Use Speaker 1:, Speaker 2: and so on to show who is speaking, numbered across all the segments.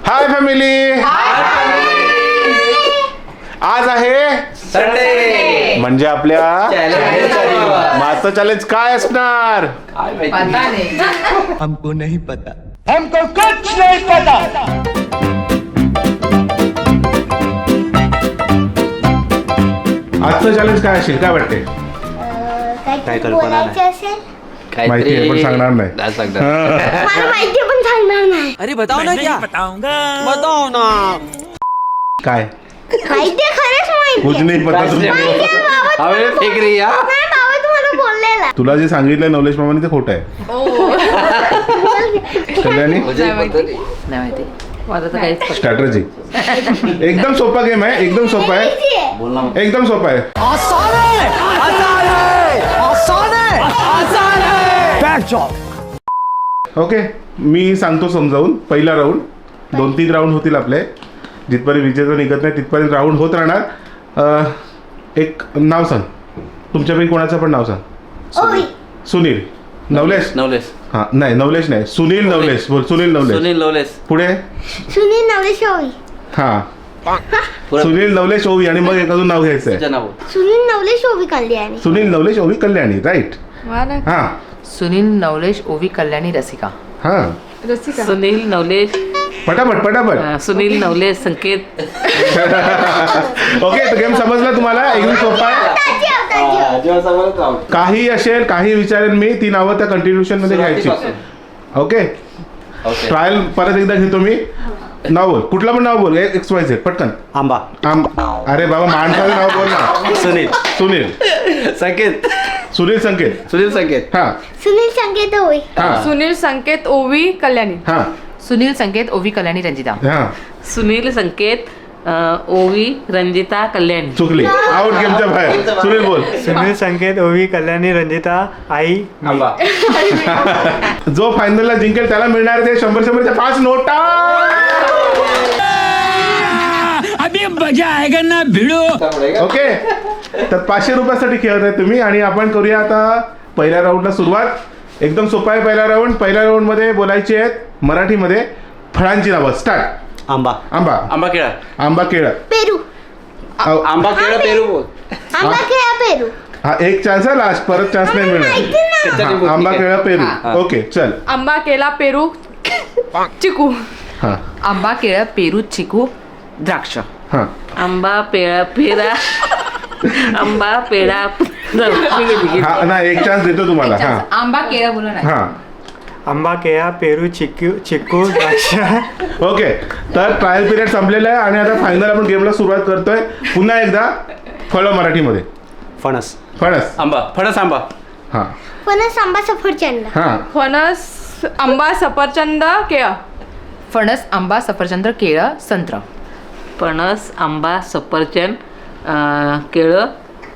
Speaker 1: Hi family, आज आहे
Speaker 2: Sunday
Speaker 1: म्हणजे आपल्या मास्टर चॅलेंज काय असणार
Speaker 3: हमको नहीं पता.
Speaker 1: आजचं चॅलेंज काय असेल, काय वाटते?
Speaker 2: काय कल्पना नाही.
Speaker 1: माहिती आहे पण सांगणार नाही.
Speaker 4: मला माहिती पण सांगणार नाही.
Speaker 3: अरे बताओ ना क्या बताओ ना.
Speaker 1: काय
Speaker 4: माहिती खरंच
Speaker 1: कुछ
Speaker 4: माहिती
Speaker 1: नाही पता तुला.
Speaker 2: हवे फेक रही है.
Speaker 4: नाही बाबा तुम्हाला बोललेला
Speaker 1: तुला जे सांगितलं नवलेश मामाने ते खोटं आहे. कल्याणी
Speaker 2: मुझे पता नहीं.
Speaker 5: नाही माहिती मला तर काहीच
Speaker 1: स्ट्रॅटजी एकदम सोपा गेम आहे, एकदम सोपा आहे,
Speaker 2: बोलना मत.
Speaker 1: एकदम सोपा आहे.
Speaker 3: आसान है आसान है आसान है आसान है. Back job.
Speaker 1: ओके, मी सांगतो समजावून. पहिला राऊंड, 2-3 राऊंड होतील आपले. जिथपर्यंत विजेता निघत नाही तिथपर्यंत राऊंड होत राहणार. एक नाव सांग, तुमच्यापैकी कोणाचं पण नाव सांग.
Speaker 4: ओय
Speaker 1: सुनील नवलेश.
Speaker 2: नवलेश.
Speaker 1: हां नाही नवलेश नाही, सुनील नवलेश बोल. सुनील नवलेश.
Speaker 2: सुनील नवलेश.
Speaker 1: पुढे
Speaker 4: सुनील नवलेश ओवी.
Speaker 1: हां
Speaker 2: पुरा-
Speaker 1: सुनील नवलेश ओवी आणि मग एक अजून नाव घ्यायचं आहे.
Speaker 2: तुझं नाव.
Speaker 4: सुनील नवलेश ओवी कल्याणी.
Speaker 1: सुनील नवलेश ओवी कल्याणी. राईट. हां
Speaker 5: सुनील नवलेश ओवी कल्याणी रसिका.
Speaker 1: हां
Speaker 5: सुनील नवलेश
Speaker 1: पटापट पटापट.
Speaker 5: सुनील नवलेश संकेत.
Speaker 1: ओके, तर गेम समजला तुम्हाला? एकदम सोपा आहे.
Speaker 2: जेव्हा समोरच राहू.
Speaker 1: काही असेल, काही विचारेल मी, ती नावं त्या कंटिन्युएशन मध्ये घ्यायची. Okay,
Speaker 2: okay.
Speaker 1: ट्रायल परत एकदा घेतो मी. नाव बोल, कुठला पण नाव बोल. XYZ पटकन.
Speaker 2: आंबा.
Speaker 1: अरे बाबा, माणसाचं नाव बोल ना.
Speaker 2: सुनील.
Speaker 1: सुनील.
Speaker 2: संकेत.
Speaker 1: सुनील संकेत.
Speaker 2: सुनील संकेत.
Speaker 1: हा
Speaker 4: सुनील संकेत ओवी.
Speaker 1: हा
Speaker 6: सुनील संकेत ओवी कल्याणी.
Speaker 1: हा
Speaker 5: सुनील संकेत ओवी कल्याणी रंजिता.
Speaker 1: हा
Speaker 5: सुनील संकेत ओवी रंजिता कल्याणी.
Speaker 1: चुकली, आउट गेमच्या बाहेर. सुनील बोल.
Speaker 7: सुनील संकेत ओवी कल्याणी रंजिता आई मी.
Speaker 2: आंबा.
Speaker 1: जो फायनलला जिंकेल त्याला मिळणार ते 100च्या 5 नोटा.
Speaker 3: अभी मजा आएगा ना भिड़ो.
Speaker 1: ओके, तर 500 रुपयासाठी खेळत आहे तुम्ही. आणि आपण करूया आता पहिल्या राऊंडला सुरुवात. एकदम सोपा आहे पहिला राऊंड. पहिल्या राऊंड मध्ये बोलायची आहेत मराठीमध्ये फळांची नावं. स्टार्ट.
Speaker 2: आंबा.
Speaker 1: आंबा.
Speaker 2: आंबा केळा.
Speaker 1: आंबा केळं.
Speaker 4: पेरू.
Speaker 2: आंबा केळा पेरू बोल.
Speaker 4: आंबा खेळा पेरू.
Speaker 1: हा एक चान्स आहे, लास्ट परत चान्स नाही मिळणार.
Speaker 2: कच्चा लिंबू.
Speaker 1: हा, आंबा
Speaker 2: ठीक आहे.
Speaker 1: केळं पेरू.
Speaker 2: हा.
Speaker 1: ओके चल.
Speaker 6: आंबा केला पेरू चिकू.
Speaker 1: हा
Speaker 5: आंबा केळं पेरू चिकू द्राक्ष.
Speaker 1: हा
Speaker 5: आंबा पेळा पेरा आंबा पेढा
Speaker 1: हा नाही, एक चान्स देतो तुम्हाला. हा
Speaker 5: आंबा केळं बोला नाही.
Speaker 1: हा
Speaker 7: आंबा केळा पेरू चिक्कू द्राक्ष.
Speaker 1: ओके, तर ट्रायल पिरियड संपलेला आहे आणि आता फायनल आपण गेमला सुरुवात करतोय. पुन्हा एकदा फळं मराठीमध्ये.
Speaker 2: फणस.
Speaker 1: फणस.
Speaker 2: आंबा. फणस आंबा.
Speaker 4: फणस आंबा सफरचंद.
Speaker 1: हा
Speaker 6: फणस आंबा सफरचंद केळं.
Speaker 5: फणस आंबा सफरचंद केळं संत्र. फणस आंबा सफरचंद केळं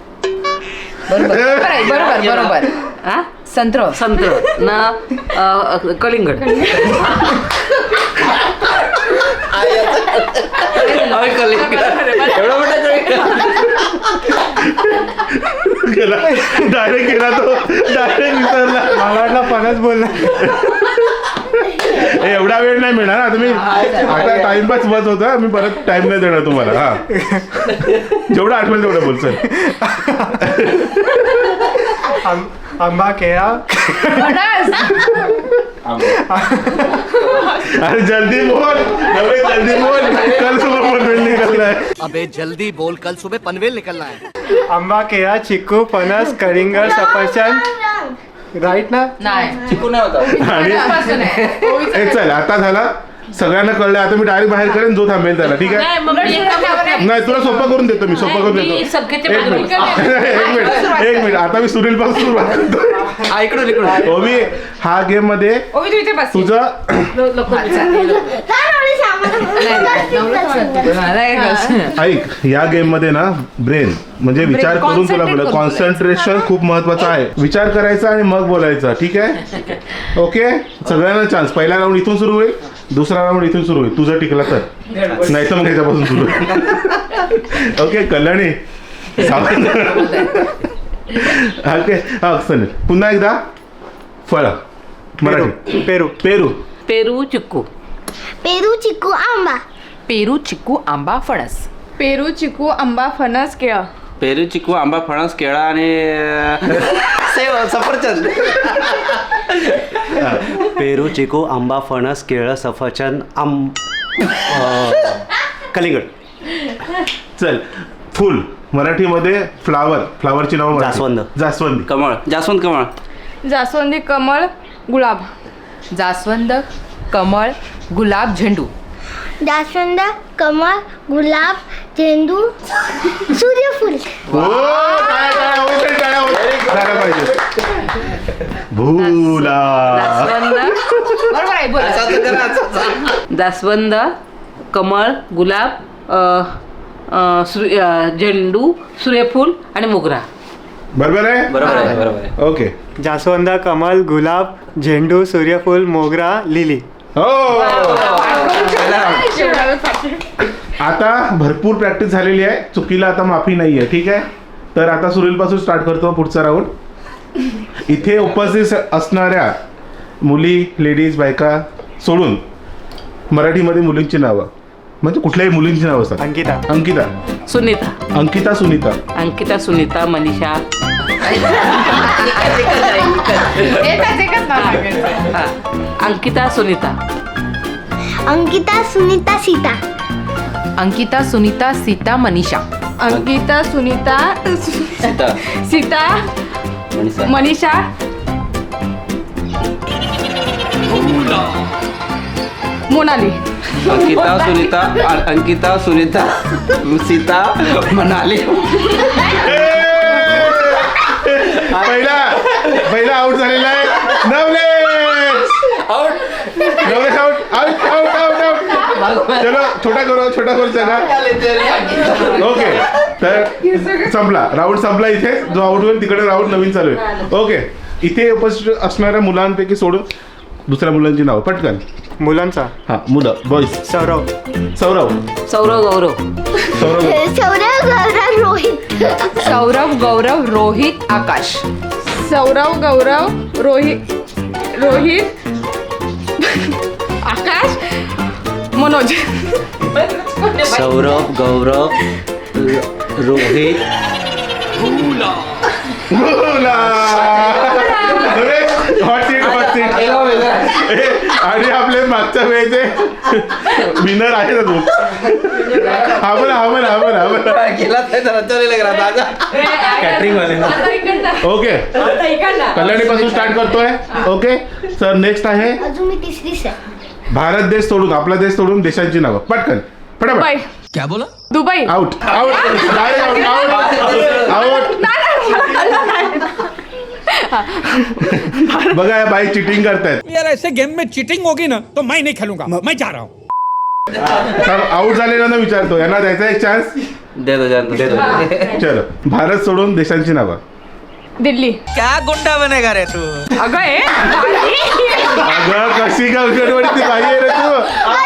Speaker 5: बरोबर बरोबर. संत्र संत्र न कलिंगड.
Speaker 2: एवढा मोठा
Speaker 1: डायरेक्ट गेला तो, डायरेक्ट विसरला.
Speaker 7: मला वाटलं फणस बोलला.
Speaker 1: एवढा वेळ नाही मिळणार. आता मी आता टाइमपास बस होता, मी परत टाइम नाही देणार तुम्हाला. हा जेवढं आठवेल तेवढं बोल. चल.
Speaker 7: आंबा केळा
Speaker 1: अरे जल्दी बोल, अरे जल्दी बोल. कल सुबह पनवेल निकलना है.
Speaker 3: अबे जल्दी बोल, कल सुबह पनवेल निकलना है.
Speaker 7: आंबा केळा चिक्कू फणस कलिंगड सफरचंद. राईट ना.
Speaker 5: नाही
Speaker 2: चिकू नाही होता.
Speaker 1: आणि ए चल, आता झाला. सगळ्यांना कळलं. आता मी डायरेक्ट बाहेर करेन, जो थांबेल त्याला. ठीक आहे. नाही, तुला सोपं करून देतो मी. सोपं करून देतो. एक मिनिट. आता मी सुनील पासून सुरुवात करतो.
Speaker 2: इकडून इकडून.
Speaker 1: ओवी, हा गेम मध्ये
Speaker 6: ओवी तू इथे बस.
Speaker 1: तुझं ऐक, या गेम मध्ये ना ब्रेन म्हणजे विचार करून तुला बोला. कॉन्सन्ट्रेशन खूप महत्वाचं आहे. विचार करायचा आणि मग बोलायचा. ठीक आहे. ओके, सगळ्यांना चान्स. पहिला राऊंड इथून सुरू होईल, दुसरा राऊंड इथून सुरू होईल. तुझं टिकला तर, नाही तर मग ह्याच्यापासून सुरू होईल. ओके कल्याणी. ओके हा सनील, पुन्हा एकदा. फळ मराठी.
Speaker 7: पेरू
Speaker 1: पेरू.
Speaker 5: पेरू चिक्कू.
Speaker 4: पेरू चिकू आंबा
Speaker 5: पेरू चिकू आंबा फणस
Speaker 6: पेरू चिकू आंबा फणस केळं
Speaker 2: पेरू चिकू आंबा फणस केळा आणि सेव सफरचंद.
Speaker 7: पेरू चिकू आंबा फणस केळं सफरचंद कलिंगड.
Speaker 1: चल फुल मराठीमध्ये फ्लावरची नाव
Speaker 7: जास्वंद.
Speaker 1: जास्वंदी.
Speaker 2: कमळ जास्वंद कमळ.
Speaker 6: जास्वंदी कमळ गुलाब
Speaker 5: जास्वंद कमळ गुलाब झेंडू
Speaker 4: जास्वंद कमळ गुलाब झेंडू सूर्यफूल
Speaker 1: हो, टाळ्या होते, टाळ्या होते. झालं पाहिजे. भूला.
Speaker 5: बरोबर आहे बोला.
Speaker 8: जास्वंद कमळ गुलाब झेंडू सूर्यफूल आणि मोगरा.
Speaker 1: बरोबर आहे.
Speaker 2: बरोबर आहे बरोबर आहे.
Speaker 1: ओके.
Speaker 7: जास्वंद कमल गुलाब झेंडू सूर्यफूल मोगरा लिली.
Speaker 1: हो. आता भरपूर प्रॅक्टिस झालेली आहे. चुकीला आता माफी नाही आहे. ठीक आहे. तर आता सुनीलपासून स्टार्ट करतो पुढचा राऊंड. इथे उपस्थित असणाऱ्या मुली लेडीज बायका सोडून मराठीमध्ये मुलींची नावं म्हणजे कुठल्याही मुलींची नावं असतात.
Speaker 7: अंकिता.
Speaker 1: अंकिता.
Speaker 8: सुनीता
Speaker 1: अंकिता सुनीता.
Speaker 8: अंकिता सुनीता मनीषा हा. अंकिता सुनीता
Speaker 4: अंकिता सुनीता सीता
Speaker 5: अंकिता सुनीता सीता मनीषा
Speaker 6: अंकिता सुनीता
Speaker 2: सीता
Speaker 6: सीता
Speaker 2: मनीषा
Speaker 6: मनीषा मोनाली.
Speaker 2: अंकिता सुनीता सीता मनाली.
Speaker 1: पहिला आउट झालेला आहे नवलेश. नवलेश आउट. चलो छोटा करू सगळा. ओके. तर संपला राऊंड संपला. इथे जो आउट होईल तिकडे राऊंड नवीन चालू आहे. ओके. इथे उपस्थित असणाऱ्या मुलांपैकी सोडून दुसऱ्या मुलांची नाव पटकन.
Speaker 7: मुलांचा.
Speaker 1: हा मुलं boys.
Speaker 7: Saurav.
Speaker 1: Saurav.
Speaker 8: Saurav Gaurav
Speaker 1: Saurav.
Speaker 4: Saurav Gaurav Rohit
Speaker 5: Saurav Gaurav Rohit Akash
Speaker 6: Saurav Gaurav Rohit Akash Manoj.
Speaker 7: Saurav Gaurav Rohit
Speaker 1: hot seat. आणि आपले मागच्या वेळेचे विनर आहे ना तू. हा बोला.
Speaker 7: कॅटरिंग वाले.
Speaker 1: ओके. कल्याणीपासून स्टार्ट करतोय. ओके. सर नेक्स्ट आहे
Speaker 4: अजून मी तिसरीच आहे.
Speaker 1: भारत देश सोडून आपला देश सोडून देशांची नावं पटकन
Speaker 6: दुबई.
Speaker 1: फटाफट.
Speaker 6: क्या बोला? दुबई.
Speaker 1: आउट. बघा या बाई चिटिंग करतायत.
Speaker 9: यार ऐसे गेम में चीटिंग होगी ना तो मैं नहीं खेलूंगा, मैं जा रहा हूँ.
Speaker 1: आउट झालेल्यांना विचारतो यांना द्यायचा एक चान्स.
Speaker 2: दे दो.
Speaker 1: चलो भारत सोडून देशांची नावं.
Speaker 6: दिल्ली.
Speaker 9: क्या गुंडा बनेगा रे तू.
Speaker 6: अगं हे
Speaker 1: अगं कशी गडबडती बाई आहे रे तू.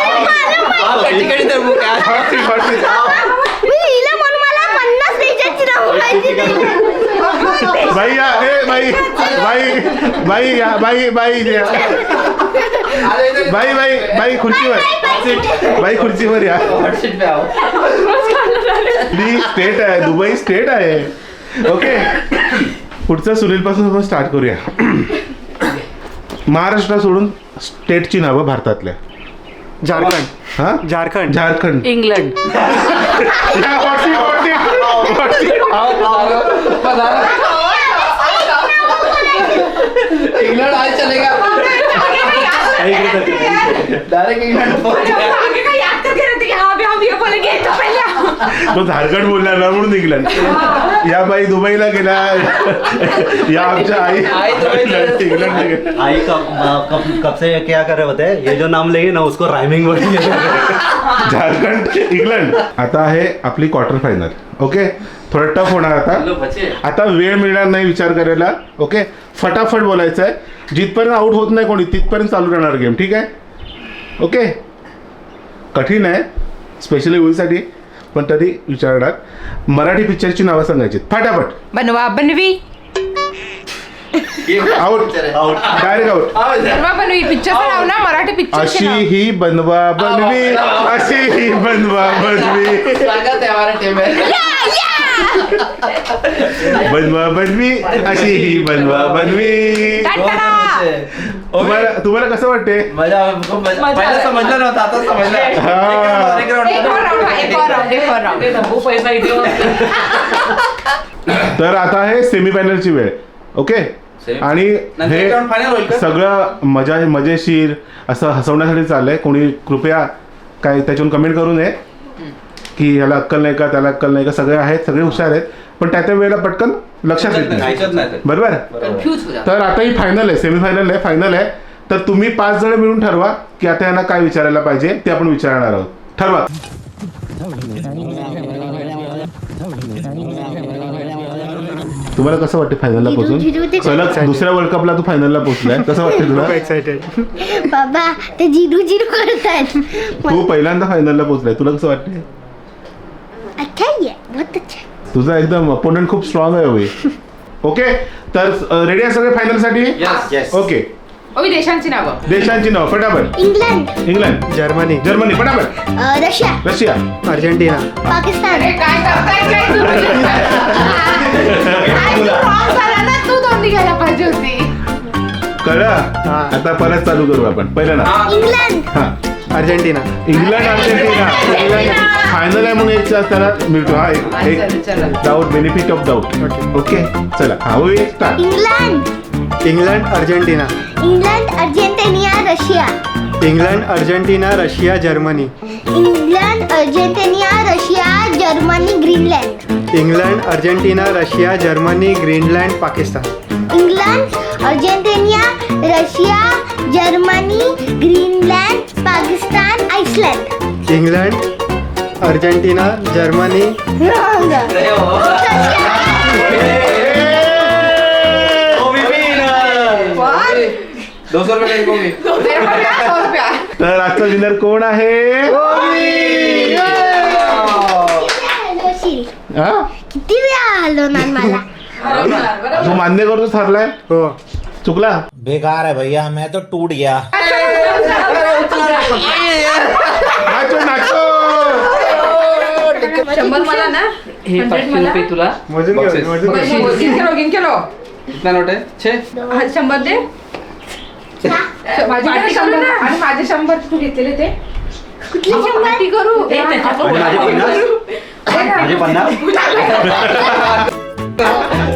Speaker 1: Hot seat.
Speaker 4: मी लिहिलं म्हणून मला 50 देशांची नावं माहिती नाही.
Speaker 1: बाई या. बाई खुर्चीवर या. स्टेट आहे दुबई स्टेट आहे. ओके. पुढचं सुनील पासून आपण स्टार्ट करूया. महाराष्ट्र सोडून स्टेटची नावं भारतातल्या.
Speaker 7: झारखंड.
Speaker 1: हा झारखंड.
Speaker 8: इंग्लंड
Speaker 2: इंग्लंड आज चलेगा. Direct England.
Speaker 4: तो
Speaker 1: झारखंड बोलला ना म्हणून इंग्लंड. या बाई दुबईला गेला. या आमच्या आई इंग्लंडला गेला.
Speaker 7: आई कब से क्या कर रहे होते हैं ये जो नाम लेंगे ना उसको राइमिंग बोलेंगे.
Speaker 1: झारखंड इंग्लंड. आता आहे आपली क्वार्टर फायनल. ओके. थोडं टफ होणार आता वेळ मिळणार नाही विचार करायला. ओके. फटाफट बोलायचं आहे. जिथपर्यंत आउट होत नाही कोणी तिथपर्यंत चालू राहणार गेम. ठीक आहे. ओके. कठीण आहे स्पेशली होळीसाठी पण तरी विचारणार. मराठी पिक्चरची नावं सांगायची फटाफट.
Speaker 5: बनवा बनवी
Speaker 1: आउट डायरेक्ट आउट.
Speaker 5: बनवा बनवी पिक्चरचं नाव ना मराठी पिक्चर
Speaker 1: अशी ही बनवा बनवी, अशी ही बनवा बनवी, बनवा बनवी, अशी ही बनवा बनवी. तुम्हाला कसं वाटते?
Speaker 2: पहिलं समजलं नव्हतं, आता समजलं.
Speaker 1: हा.
Speaker 2: एक round.
Speaker 8: पैसा इथे
Speaker 1: तर आता आहे सेमीफायनलची वेळ. ओके. आणि
Speaker 2: नंतर
Speaker 1: हे
Speaker 2: एक round final होईल का?
Speaker 1: सगळं मजेशीर असं हसवण्यासाठी चाललंय. कोणी कृपया काय त्याच्यावरून कमेंट करू नये की ह्याला अक्कल नाही का, त्याला अक्कल नाही का. सगळे आहेत, सगळे हुशार आहेत, पण त्या त्या वेळेला पटकन लक्षात येत नाही.
Speaker 2: ऐकत नाही ते.
Speaker 1: बरोबर.
Speaker 5: कन्फ्यूज हो
Speaker 1: तर आता ही फायनल आहे, सेमीफायनल आहे, फायनल आहे. तर तुम्ही 5 जण मिळून ठरवा की आता यांना काय विचारायला पाहिजे ते आपण विचारणार आहोत. ठरवा. तुम्हाला कसं वाटतं फायनलला पोहोचून? सलग दुसऱ्या वर्ल्ड कपला तू फायनलला पोहोचलाय, कसं वाटतं तुला?
Speaker 7: एक्साइटेड.
Speaker 4: बाबा ते जिरू जिरू करतायत.
Speaker 1: तू पहिल्यांदा फायनलला पोहोचलाय, तुला कसं वाटतंय?
Speaker 4: अच्छा ही आहे, बहुत अच्छा.
Speaker 1: तुझा एकदम अपोनंट खूप स्ट्रॉंग आहे होय. ओके. तर रेडी आहे सगळे फायनलसाठी?
Speaker 2: Yes.
Speaker 1: ओके.
Speaker 5: ओवी देशांची नावं.
Speaker 1: देशांची नाव फटाफट.
Speaker 4: इंग्लंड,
Speaker 1: इंग्लंड,
Speaker 7: जर्मनी,
Speaker 1: जर्मनी फटाफट,
Speaker 4: रशिया,
Speaker 1: रशिया,
Speaker 7: अर्जेंटिना,
Speaker 4: पाकिस्तान.
Speaker 5: अरे काय करताय काय तुम्ही? काय तू wrong झाला ना, तू दोन्ही घ्यायला पाहिजे होती.
Speaker 1: कळलं? आता परत चालू करू आपण. पहिलं ना.
Speaker 4: इंग्लंड,
Speaker 1: हा.
Speaker 7: Argentina,
Speaker 1: England, Argentina. England final आहे म्हणून एक त्याला मिळतो. हा
Speaker 5: चला.
Speaker 1: एक doubt, benefit of doubt. Okay. चला हा होईल start.
Speaker 4: England,
Speaker 7: England, Argentina,
Speaker 4: England, Argentina, Russia.
Speaker 7: England, Argentina, Russia, Germany,
Speaker 4: England, Argentina, Russia, Germany, Greenland.
Speaker 7: England, Argentina, Russia, Germany, Greenland, Pakistan.
Speaker 4: England, Argentina, Russia, Germany, Greenland, Pakistan, Iceland.
Speaker 7: England, Argentina, Germany,
Speaker 4: Wrong.
Speaker 2: ₹200 कोबी.
Speaker 5: मेरे को क्या 100 रुपया.
Speaker 1: तर आजचा winner कोण आहे? हा?
Speaker 4: किती वेळा हलवणार मला?
Speaker 1: तू मान्य करतो ठरलाय?
Speaker 7: हो.
Speaker 1: चुकला?
Speaker 3: बेकार है भैया, मैं तो टूट गया.
Speaker 1: Nacho nacho.
Speaker 5: 100 मला ना.
Speaker 8: हे 500 तुला.
Speaker 7: मोजून
Speaker 2: Boxes.
Speaker 7: घेऊ, मोजून घेऊ.
Speaker 5: गिन केलो.
Speaker 2: कितना नोट आहे? 6.
Speaker 5: 100 दे. माझे 100 आणि माझे 100 तू घेतलेले ते.
Speaker 4: कुठली शंभर?
Speaker 5: पार्टी करू.
Speaker 2: माझे 50.